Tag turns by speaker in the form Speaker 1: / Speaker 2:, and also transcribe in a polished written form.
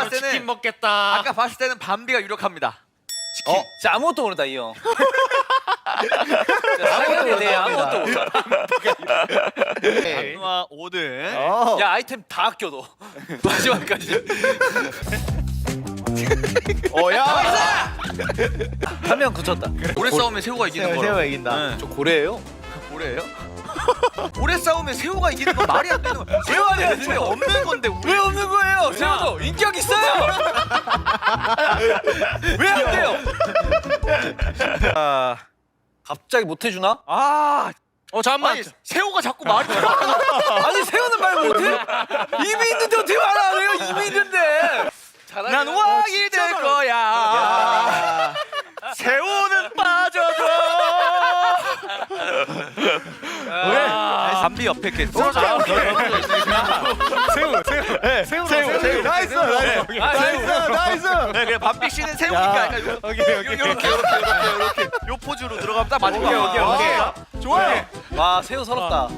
Speaker 1: 봤을
Speaker 2: 치킨
Speaker 1: 때는
Speaker 2: 먹겠다.
Speaker 1: 아까 봤을 때는 밤비가 유력합니다.
Speaker 3: 진짜 아무것도 모른다 이 형. 사연에 대해 아무것도 몰라.
Speaker 1: 안누아 5등.
Speaker 3: 야 아이템 다 아껴도 마지막까지.
Speaker 4: 야.
Speaker 3: 한 명 굳혔다.
Speaker 1: 오래 싸우면 새우가 이기는 거라.
Speaker 4: 새우가 이긴다.
Speaker 3: 저 고래예요?
Speaker 1: 오래예요? 오래 싸우면 새우가 이기는 건 말이 안 되는 거야. 새우는 애초에 없는 건데
Speaker 3: 왜 없는 거예요? 새우도 인격 있어요. 왜 안 돼요? 갑자기 못 해주나?
Speaker 2: 잠깐만.
Speaker 1: 아니 새우가 자꾸 말이
Speaker 3: 아니 새우는 말 못해? 입이 있는데 어떻게 말 안 해요? 입이 있는데.
Speaker 1: 난 왕이 될 거야. 새우는 빠져줘. 왜? 담비 옆에 이렇게 쓰러져.
Speaker 4: 새우. 나이스. 나이스.
Speaker 1: 네, 그래 밤비 씨는 새우니까 약간 이렇게 요 포즈로 들어가면 딱 맞을 거야.
Speaker 4: 오케이. 좋아요.
Speaker 3: 와 새우 서럽다.